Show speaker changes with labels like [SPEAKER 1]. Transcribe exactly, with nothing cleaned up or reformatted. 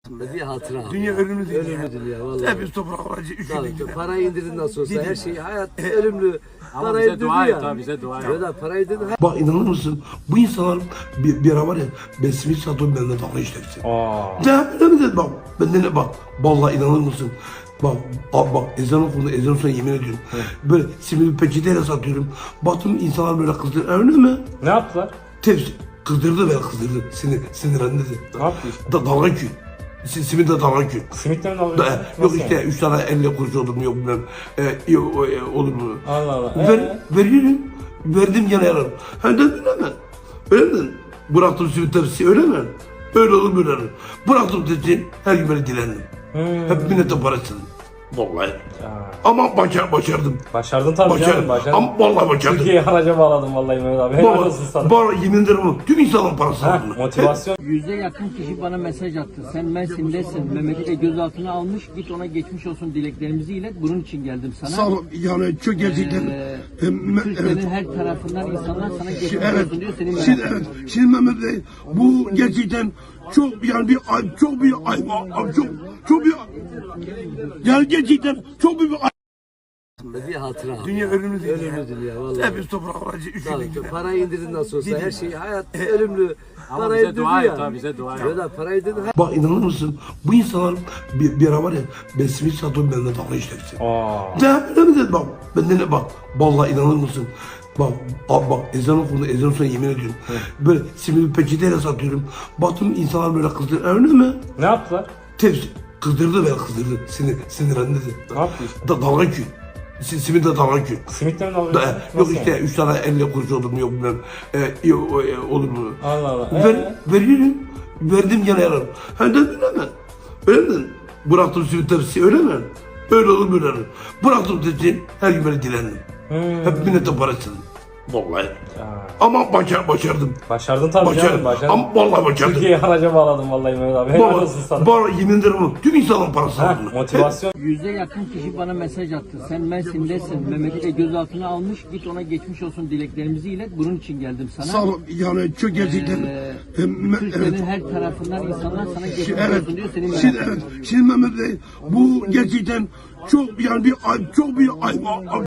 [SPEAKER 1] Bir hatıra.
[SPEAKER 2] Dünya ölümlü değil.
[SPEAKER 1] Ölümlüdür ya vallahi.
[SPEAKER 2] Hepimiz toprağa varacağız. Üç
[SPEAKER 1] Tabii,
[SPEAKER 2] günlük.
[SPEAKER 1] parayı indirin nasıl olsa her şey hayat ölümlü.
[SPEAKER 3] Ama
[SPEAKER 1] Parayı
[SPEAKER 3] bize dua
[SPEAKER 1] indirin
[SPEAKER 3] et
[SPEAKER 1] ya.
[SPEAKER 3] abi, bize dua et.
[SPEAKER 1] Ya da parayı indirin.
[SPEAKER 2] Bak inanır mısın? Bu insanlar bir, bir ara var ya, ben simit satıyorum, benden dalga işlersin.
[SPEAKER 3] Aa.
[SPEAKER 2] Ne öyle mi dedi bak, benden ne bak, vallahi inanır mısın? Bak, abi bak ezan okundu, ezan sonra yemin ediyorum. Böyle simidi peçeteyle satıyorum. Baktım insanlar böyle kızdırdı, öyle mi?
[SPEAKER 3] Ne yaptılar?
[SPEAKER 2] Tepsi, kızdırdı beni, kızdırdı, sinir, sinirlendi.
[SPEAKER 3] Ne yaptı işte?
[SPEAKER 2] Da, dalga ki. Simit de dalga ki.
[SPEAKER 3] Simitle mi
[SPEAKER 2] Da,
[SPEAKER 3] alıyorsun?
[SPEAKER 2] yok
[SPEAKER 3] Nasıl
[SPEAKER 2] işte
[SPEAKER 3] yani?
[SPEAKER 2] üç tane elle kuruş olur mu yok bilmem. E, yok, e, olur mu?
[SPEAKER 3] Allah Allah.
[SPEAKER 2] Ver,
[SPEAKER 3] Ee?
[SPEAKER 2] veriyorum. Verdim gene yarar. Hem de öyle mi? Öyle mi? Bıraktım simit tepsi, öyle mi? Öyle olur böyle olur. Bıraktım tepsi, her gün böyle dilendim.
[SPEAKER 3] Hmm.
[SPEAKER 2] Hep millete para istedim. Vallahi.
[SPEAKER 3] Aa.
[SPEAKER 2] Ama başar, başardım.
[SPEAKER 3] Başardın tabii canım,
[SPEAKER 2] Başardım.
[SPEAKER 3] başardın.
[SPEAKER 2] Ama vallahi başardım.
[SPEAKER 3] Türkiye'yi haraca bağladın vallahi Mehmet abi. Helal olsun sana.
[SPEAKER 2] Bana, bana yemin ederim ama tüm insanların parası
[SPEAKER 3] Ha,
[SPEAKER 2] aldım.
[SPEAKER 3] motivasyon.
[SPEAKER 4] Yüze yakın kişi bana mesaj attı. Sen Mersin'desin. Mehmet'i de gözaltına almış. Git ona geçmiş olsun dileklerimizi ilet. Bunun için geldim sana.
[SPEAKER 2] Sağ ol. Yani çok gerçekten.
[SPEAKER 4] Ee,
[SPEAKER 2] Em,
[SPEAKER 4] Türkiye'nin
[SPEAKER 2] evet.
[SPEAKER 4] her tarafından insanlar sana geçmiş
[SPEAKER 2] Evet.
[SPEAKER 4] olsun diyor. Senin
[SPEAKER 2] Şimdi,
[SPEAKER 4] merak
[SPEAKER 2] evet. Şimdi Mehmet Bey, bu gerçekten çok yani bir ay, çok bir ay, ay- çok çok bir yani gerçekten çok büyük bir ay.
[SPEAKER 1] Bir hatıra.
[SPEAKER 2] Dünya ölümlü değil.
[SPEAKER 1] Ölümlüdür ya vallahi.
[SPEAKER 2] Hepimiz toprağa varacağız. Üç
[SPEAKER 1] Tabii,
[SPEAKER 2] günlük.
[SPEAKER 1] parayı indirin nasıl olsa her şey hayat ölümlü.
[SPEAKER 3] Ama
[SPEAKER 1] Parayı
[SPEAKER 3] bize
[SPEAKER 1] indirin
[SPEAKER 3] dua
[SPEAKER 1] ya.
[SPEAKER 3] et abi, bize dua et.
[SPEAKER 1] Ya da parayı indirin.
[SPEAKER 2] Bak inanır mısın? Bu insanlar bir, bir ara var ya, ben simit satıyorum, benden dalga işlersin.
[SPEAKER 3] Aa.
[SPEAKER 2] Ne öyle mi dedi bak, benden ne bak, vallahi inanır mısın? Bak, abi bak ezan okundu, ezan sonra yemin ediyorum. Böyle simidi peçeteyle satıyorum. Baktım insanlar böyle kızdırdı, öyle mi?
[SPEAKER 3] Ne yaptılar?
[SPEAKER 2] Tepsi, kızdırdı beni, kızdırdı, sinir, sinirlendi.
[SPEAKER 3] Ne yaptı işte?
[SPEAKER 2] Da, dalga ki. Simit de dalga ki.
[SPEAKER 3] Simitle mi alıyorsun?
[SPEAKER 2] Da, yok
[SPEAKER 3] Nasıl
[SPEAKER 2] işte
[SPEAKER 3] yani?
[SPEAKER 2] üç tane elle kuruş olur mu yok bilmem. E, yok, e, olur mu?
[SPEAKER 3] Allah Allah.
[SPEAKER 2] Ver,
[SPEAKER 3] Ee?
[SPEAKER 2] veriyorum. Verdim gene yarar. Hem de öyle mi? Öyle mi? Bıraktım simit tepsi, öyle mi? Öyle olur böyle olur. Bıraktım tepsi, her gün böyle dilendim.
[SPEAKER 3] Hmm.
[SPEAKER 2] Hep millete para istedim. Vallahi.
[SPEAKER 3] Aa.
[SPEAKER 2] Ama başar, başardım.
[SPEAKER 3] Başardın tabii
[SPEAKER 2] Başardım.
[SPEAKER 3] canım, başardın.
[SPEAKER 2] Ama vallahi başardım.
[SPEAKER 3] Türkiye'yi haraca bağladın vallahi Mehmet abi. Helal
[SPEAKER 2] Bana,
[SPEAKER 3] olsun sana.
[SPEAKER 2] bana yemin ederim ama tüm insanların parası
[SPEAKER 3] Ha,
[SPEAKER 2] aldım.
[SPEAKER 3] motivasyon.
[SPEAKER 4] Yüze yakın kişi bana mesaj attı. Sen Mersin'desin. Mehmet'i de gözaltına almış. Git ona geçmiş olsun dileklerimizi ilet. Bunun için geldim sana.
[SPEAKER 2] Sağ ol. Yani çok gerçekten.
[SPEAKER 4] Ee,
[SPEAKER 2] Em,
[SPEAKER 4] Türkiye'nin
[SPEAKER 2] evet.
[SPEAKER 4] her tarafından insanlar sana geçmiş
[SPEAKER 2] Evet.
[SPEAKER 4] olsun diyor. Senin merak
[SPEAKER 2] Şimdi, evet. Şimdi Mehmet Bey, bu gerçekten çok yani bir ay, çok bir ay,